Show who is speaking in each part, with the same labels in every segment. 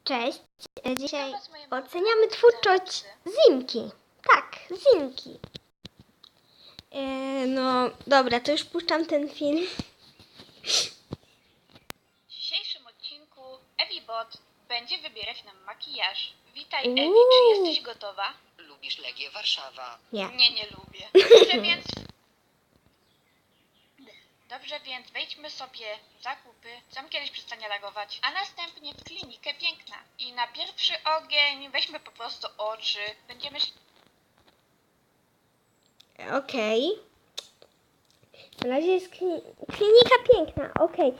Speaker 1: Cześć, dzisiaj oceniamy twórczość Zimki. Tak, Zimki. No dobra, to już puszczam ten film.
Speaker 2: W dzisiejszym odcinku EviBot będzie wybierać nam makijaż. Witaj
Speaker 1: Uuu.
Speaker 2: Ewi, czy jesteś gotowa?
Speaker 3: Lubisz Legię Warszawa?
Speaker 1: Nie.
Speaker 2: Nie lubię. Dobrze więc wejdźmy sobie w zakupy, sam kiedyś przestanie lagować, a następnie w klinikę piękna. I na pierwszy ogień weźmy po prostu oczy. Będziemy
Speaker 1: Okej. Na razie jest klinika piękna, okej.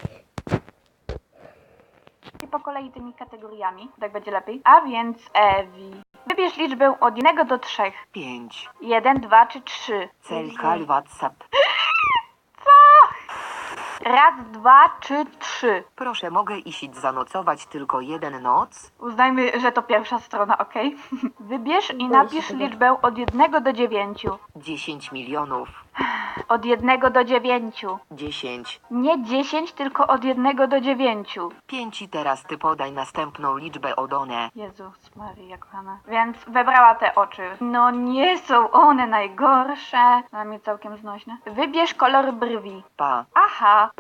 Speaker 2: po kolei tymi kategoriami, tak będzie lepiej. A więc Ewi, wybierz liczbę od 1 do 3.
Speaker 3: 5.
Speaker 2: 1, 2 czy 3.
Speaker 3: Celkal WhatsApp.
Speaker 2: Raz, 2 czy 3.
Speaker 3: Proszę, mogę iść zanocować tylko jeden noc?
Speaker 2: Uznajmy, że to pierwsza strona, ok? Wybierz i
Speaker 1: Boję
Speaker 2: napisz
Speaker 1: się tego.
Speaker 2: liczbę od 1 do 9.
Speaker 3: 10 milionów.
Speaker 2: Od 1 do 9.
Speaker 3: 10.
Speaker 2: Nie 10, tylko od 1 do 9.
Speaker 3: 5 i teraz ty podaj następną liczbę od one.
Speaker 2: Jezus Maria kochana. Więc wybrała te oczy. No nie są one najgorsze. Dla mnie całkiem znośne. Wybierz kolor brwi.
Speaker 3: Pa.
Speaker 2: Aha.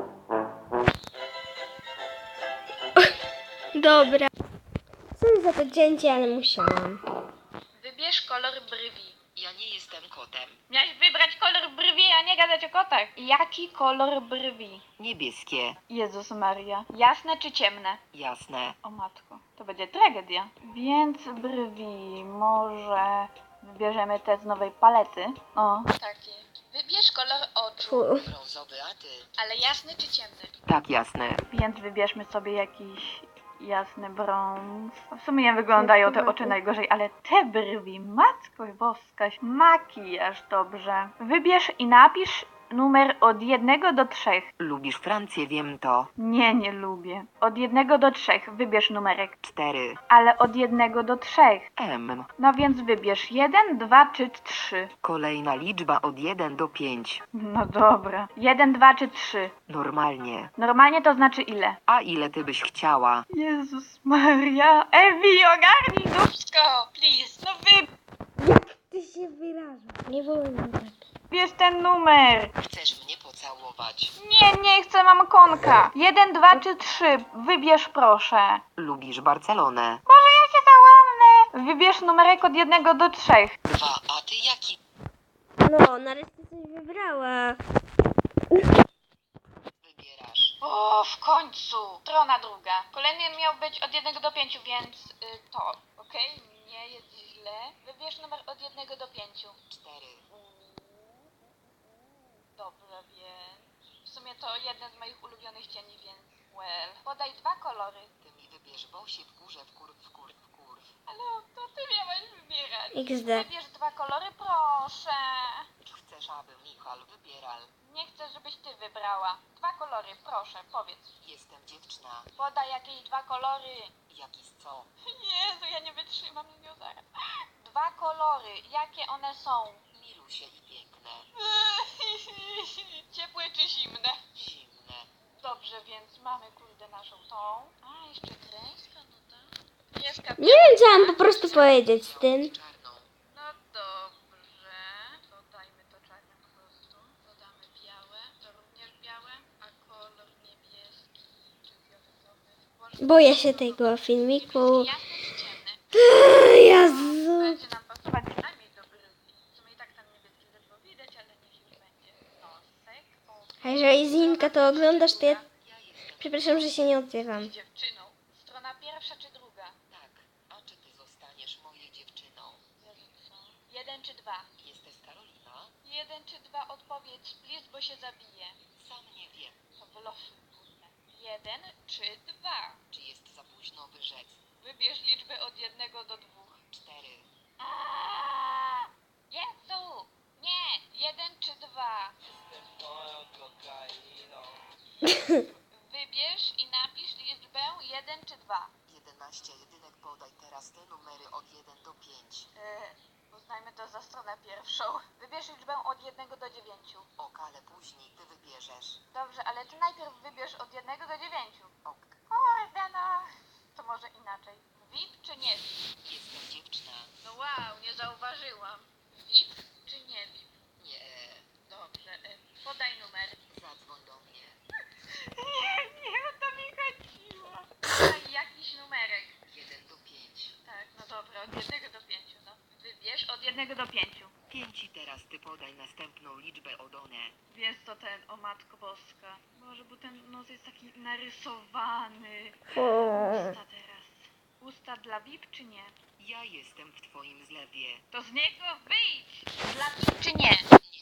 Speaker 1: Dobra. Sorry za to cięcie, ale musiałam.
Speaker 2: Wybierz kolor brwi.
Speaker 3: Ja nie jestem kotem.
Speaker 2: Miałeś wybrać kolor brwi, a nie gadać o kotach. Jaki kolor brwi?
Speaker 3: Niebieskie.
Speaker 2: Jezus Maria. Jasne czy ciemne?
Speaker 3: Jasne.
Speaker 2: O matko, to będzie tragedia. Więc brwi, może wybierzemy te z nowej palety. O. Takie. Wybierz kolor oczu.
Speaker 1: Fu.
Speaker 3: Brązowy, a ty?
Speaker 2: Ale jasny czy ciemny?
Speaker 3: Tak, jasne.
Speaker 2: Więc wybierzmy sobie jakiś jasny brąz. W sumie nie wyglądają te oczy najgorzej, ale te brwi, matko boskaś, makijaż, dobrze. Wybierz i napisz numer od 1 do 3.
Speaker 3: Lubisz Francję, wiem to.
Speaker 2: Nie lubię. Od 1 do 3 wybierz numerek.
Speaker 3: 4.
Speaker 2: Ale od 1 do 3.
Speaker 3: M.
Speaker 2: No więc wybierz 1, 2 czy 3.
Speaker 3: Kolejna liczba od 1 do 5.
Speaker 2: No dobra. 1, 2 czy 3.
Speaker 3: Normalnie.
Speaker 2: Normalnie to znaczy ile?
Speaker 3: A ile ty byś chciała?
Speaker 2: Jezus Maria. Ewi, ogarnij dupsko! Please. No
Speaker 1: Jak ty się wyrażasz? Nie wolno tak.
Speaker 2: wybierz ten numer.
Speaker 3: Chcesz mnie pocałować?
Speaker 2: Nie chcę, mam konka. 1, 2 czy 3. Wybierz proszę.
Speaker 3: Lubisz Barcelonę?
Speaker 2: Może ja się załamnę. Wybierz numerek od 1 do 3.
Speaker 3: 2. A ty jaki?
Speaker 1: No, nareszcie coś wybrała.
Speaker 3: Wybierasz.
Speaker 2: O, w końcu. Strona druga. Kolejny miał być od 1 do 5, więc to. Okej? Nie jest źle. Wybierz numer od 1 do 5.
Speaker 3: 4.
Speaker 2: Dobrze, więc... W sumie to jeden z moich ulubionych cieni, więc... Well. Podaj 2 kolory.
Speaker 3: Ty mi wybierz Bosie w górze, w kurw.
Speaker 2: Ale to ty miałeś wybierać.
Speaker 1: XD.
Speaker 2: Wybierz 2 kolory, proszę.
Speaker 3: Chcesz, aby Michal wybierał?
Speaker 2: Nie chcę, żebyś ty wybrała. 2 kolory, proszę, powiedz.
Speaker 3: Jestem dziewczyna.
Speaker 2: Podaj jakieś 2 kolory.
Speaker 3: Jaki z co?
Speaker 2: Jezu, ja nie wytrzymam z nią zaraz. 2 kolory, jakie one są?
Speaker 3: Milusie i piękne.
Speaker 2: Ciepłe czy zimne?
Speaker 3: Zimne.
Speaker 2: Dobrze, więc mamy kurde naszą tą. A, jeszcze kreska, no tak. Pieska,
Speaker 1: Nie wiem, co mam po prostu powiedzieć z tym.
Speaker 3: Czarną.
Speaker 2: No dobrze. Dodajmy to czarne po prostu. Dodamy białe. To również białe. A kolor niebieski czy fioletowy?
Speaker 1: Boję się tego filmiku.
Speaker 2: Jasne czy ciemne?
Speaker 1: Jezu.
Speaker 2: Będzie nam pasować przynajmniej do brwi. W sumie i tak tam niebieskie ledwo widać, ale niech już będzie. Nosek.
Speaker 1: A jeżeli Zinka to oglądasz, to ja...
Speaker 3: Ja jestem.
Speaker 1: Przepraszam, że się nie odzywam.
Speaker 2: Z dziewczyną. Strona pierwsza czy druga?
Speaker 3: Tak. A czy ty zostaniesz moją dziewczyną?
Speaker 2: Jezu, co? 1 czy 2?
Speaker 3: Jesteś Karolina?
Speaker 2: 1 czy 2 odpowiedź, please, bo się zabije.
Speaker 3: Sam nie wiem.
Speaker 2: To wylosuj, kurde. 1 czy 2?
Speaker 3: Czy jest za późno wyrzec?
Speaker 2: Wybierz liczbę od 1 do 2.
Speaker 3: 4.
Speaker 2: Jezu! Nie! 1 czy 2? Wybierz i napisz liczbę 1 czy 2.
Speaker 3: 11 jedynek podaj teraz te numery od 1 do 5.
Speaker 2: Uznajmy to za stronę pierwszą. Wybierz liczbę od 1 do 9.
Speaker 3: Ok, ale później ty wybierzesz.
Speaker 2: Dobrze, ale ty najpierw wybierz od 1 do 9.
Speaker 3: Ok.
Speaker 2: Kurde no. To może inaczej.
Speaker 3: liczbę Odone.
Speaker 2: Wiesz co ten, o Matko Boska. Boże, bo ten nos jest taki narysowany. Usta teraz. Usta dla VIP czy nie?
Speaker 3: Ja jestem w twoim zlewie.
Speaker 2: To z niego wyjdź! Dla VIP czy nie?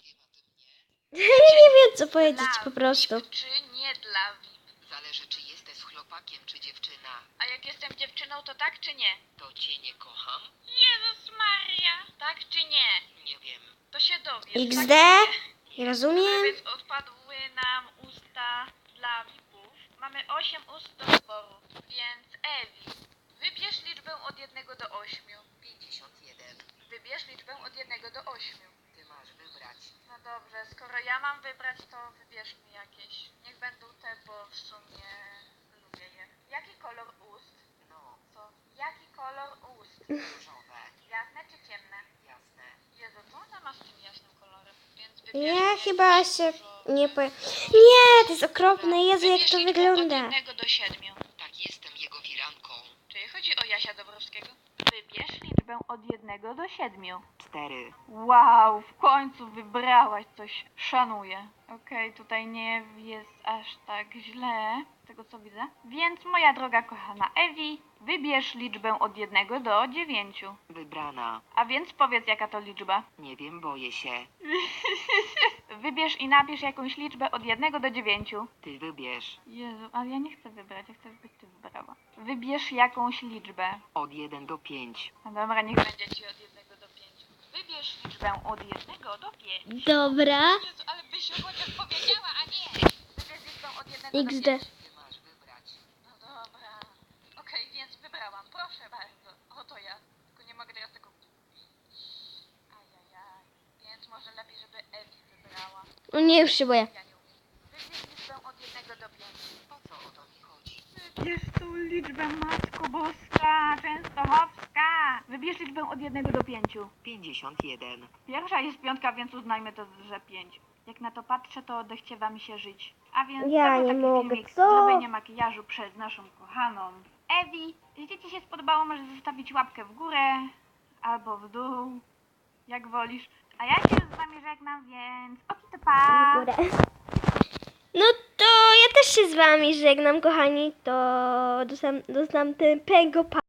Speaker 3: Nie wiem o tym, nie?
Speaker 1: Ja nie wiem co powiedzieć
Speaker 2: Dla
Speaker 1: po prostu.
Speaker 2: VIP czy nie dla VIP?
Speaker 3: Zależy, czy jesteś chłopakiem, czy dziewczyna.
Speaker 2: A jak jestem dziewczyną, to tak czy nie?
Speaker 3: To cię nie kocham?
Speaker 2: Jezus Maria! Tak czy nie?
Speaker 3: Nie wiem.
Speaker 2: To się dowiesz.
Speaker 1: XD?
Speaker 2: Tak czy nie?
Speaker 1: Nie rozumiem.
Speaker 2: Więc odpadły nam usta dla VIP-ów. Mamy 8 ust do wyboru. Więc Ewi, wybierz liczbę od 1 do 8.
Speaker 3: 51.
Speaker 2: Wybierz liczbę od 1 do 8.
Speaker 3: Ty masz wybrać.
Speaker 2: No dobrze, skoro ja mam wybrać, to wybierz mi jakieś. Niech będą te, bo w sumie lubię je. Jaki kolor ust?
Speaker 3: No,
Speaker 2: Co? Jaki kolor ust?
Speaker 3: różowe.
Speaker 2: Jasne czy ciemne?
Speaker 3: Jasne.
Speaker 2: Jezu, co ona ma z tym jasnym kolorem? Więc wybierz
Speaker 1: Ja
Speaker 2: mi
Speaker 1: chyba
Speaker 2: jakiś
Speaker 1: się
Speaker 2: różowy.
Speaker 1: nie po... Nie, to jest okropne. Jezu, jak
Speaker 2: Wybierz
Speaker 1: to
Speaker 2: liczbę
Speaker 1: wygląda.
Speaker 2: Od 1 do 7.
Speaker 3: Tak, jestem jego firanką.
Speaker 2: Czyli chodzi o Jasia Dobrowskiego? Wybierz liczbę od 1 do 7.
Speaker 3: 4.
Speaker 2: Wow, w końcu wybrałaś coś. Szanuję. Okej, tutaj nie jest aż tak źle, z tego co widzę. Więc moja droga kochana Ewi, wybierz liczbę od 1 do 9.
Speaker 3: Wybrana.
Speaker 2: A więc powiedz jaka to liczba.
Speaker 3: Nie wiem, boję się.
Speaker 2: Wybierz i napisz jakąś liczbę od 1 do 9.
Speaker 3: Ty wybierz.
Speaker 2: Jezu, ale ja nie chcę wybrać, ja chcę, żebyś ty wybrała. Wybierz jakąś liczbę.
Speaker 3: Od 1 do 5.
Speaker 2: No dobra, niech będzie ci od 1 do 5. Wybierz liczbę od 1 do 5.
Speaker 1: Dobra.
Speaker 2: Jezu, ale byś chociaż powiedziała, a nie! Wybierz liczbę od 1 do 5.
Speaker 1: XD.
Speaker 3: Ty masz wybrać.
Speaker 2: No dobra. Okej, więc wybrałam. Proszę bardzo. Oto ja. Tylko nie mogę teraz tego... Ajajaj. Więc może lepiej, żeby Ewi wybrała.
Speaker 1: O nie, już się boję.
Speaker 2: Ja nie umiem. Wybierz liczbę od 1 do 5.
Speaker 3: O co o to mi chodzi?
Speaker 2: Wybierz tą liczbę, Matko Boska, Częstochowska. Wybierz liczbę od 1 do 5.
Speaker 3: 51.
Speaker 2: Pierwsza jest piątka, więc uznajmy to, że 5. Jak na to patrzę, to odechciewa mi się żyć. A więc
Speaker 1: Ja
Speaker 2: to był
Speaker 1: nie
Speaker 2: taki
Speaker 1: mogę,
Speaker 2: filmik
Speaker 1: co?
Speaker 2: zrobienie makijażu przez naszą kochaną Ewi. Jeśli Ci się spodobało, możesz zostawić łapkę w górę albo w dół, jak wolisz. A ja się z Wami żegnam, więc oki to pa!
Speaker 1: Górę. No to ja też się z wami żegnam, kochani. To do następnego pa.